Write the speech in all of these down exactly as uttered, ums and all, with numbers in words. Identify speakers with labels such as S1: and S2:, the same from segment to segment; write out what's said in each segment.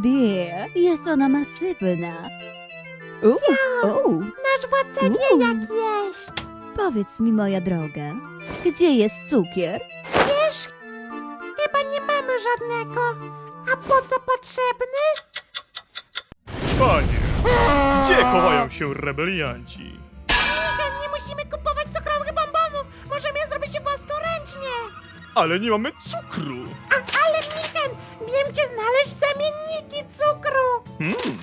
S1: dear, jest ona masywna. Uuu, uuu.
S2: Nasz władca
S1: Uuu.
S2: wie jak jeść.
S1: Powiedz mi, moja droga, gdzie jest cukier?
S2: Wiesz, chyba nie mamy żadnego. A po co potrzebny?
S3: Panie, gdzie chowają się rebelianci?
S2: Micha, nie musimy kupować cukrowych bombonów. Możemy je zrobić własnoręcznie.
S3: Ale nie mamy cukru!
S2: A, ale Michen, wiem gdzie znaleźć zamienniki cukru.
S3: Hmm.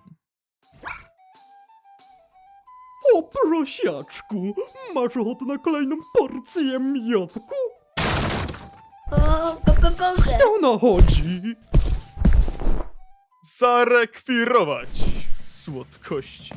S4: O prosiaczku, masz ochotę na kolejną porcję miodku?
S5: O, bo, bo, Boże!
S4: To nachodzi.
S3: Zarekwirować słodkości.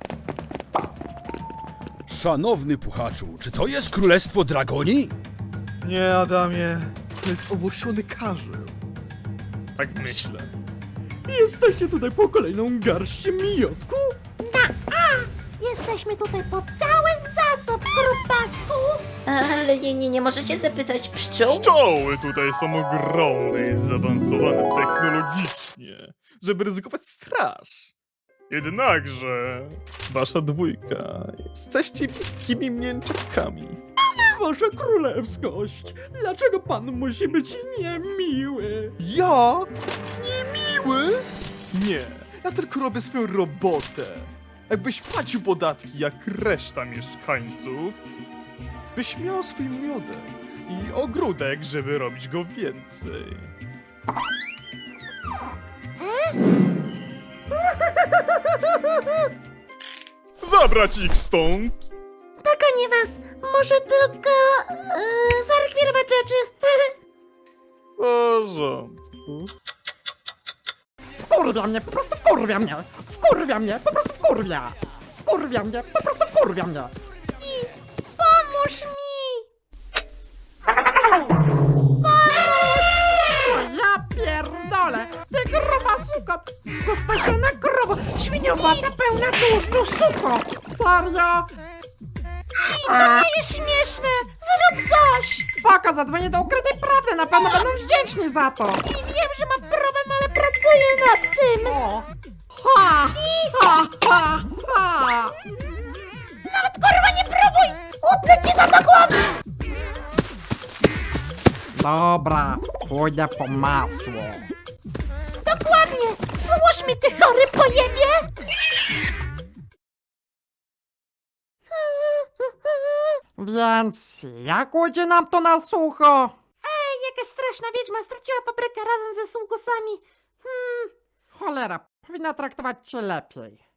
S6: Szanowny puchaczu, czy to jest królestwo Dragoni?
S3: Nie, Adamie, to jest owłosiony karzeł. Tak myślę.
S4: Jesteście tutaj po kolejną garść miodku?
S2: Jesteśmy tutaj po cały zasób grubasków.
S5: Ale nie, nie, nie możecie zapytać pszczół?
S3: Pszczoły tutaj są ogromne i zaawansowane technologicznie, żeby ryzykować straż. Jednakże, wasza dwójka, jesteście wielkimi mięczakami.
S4: Wasza królewskość, dlaczego pan musi być niemiły?
S3: Ja? Niemiły? Nie, ja tylko robię swoją robotę. Jakbyś płacił podatki jak reszta mieszkańców, byś miał swój miodek i ogródek, żeby robić go więcej. Zabrać ich stąd!
S2: Dogonię was. Może tylko e, zarekwirować rzeczy.
S3: W porządku.
S4: Wkurwia mnie, po prostu wkurwia mnie! Wkurwia mnie, po prostu wkurwia! Wkurwia mnie, po prostu wkurwia mnie!
S2: Pomóż mi.
S4: Ja pierdolę! Ty gruba suko! To spasiona krowa! Świniowata pełna tłuszczu suko! Serio?
S2: To nie jest śmieszne. Zrób coś.
S4: Spoko, zadzwonię do ukrytej prawdy, na pewno będą wdzięczni za to!
S2: I wiem, że mam problem, ale pracuję nad tym.
S4: O! Ha! Ha! Ha! Ha!
S2: Nawet kurwa nie próbuj. Utnę ci za to głowy.
S4: Dobra, pójdę po masło.
S2: Dokładnie. Złóż mi ty chory pojebie.
S4: Więc jak ujdzie nam to na sucho?
S2: Ej, jaka straszna wiedźma straciła paprykę razem ze sługusami. Hmm.
S4: Cholera, powinna traktować cię lepiej.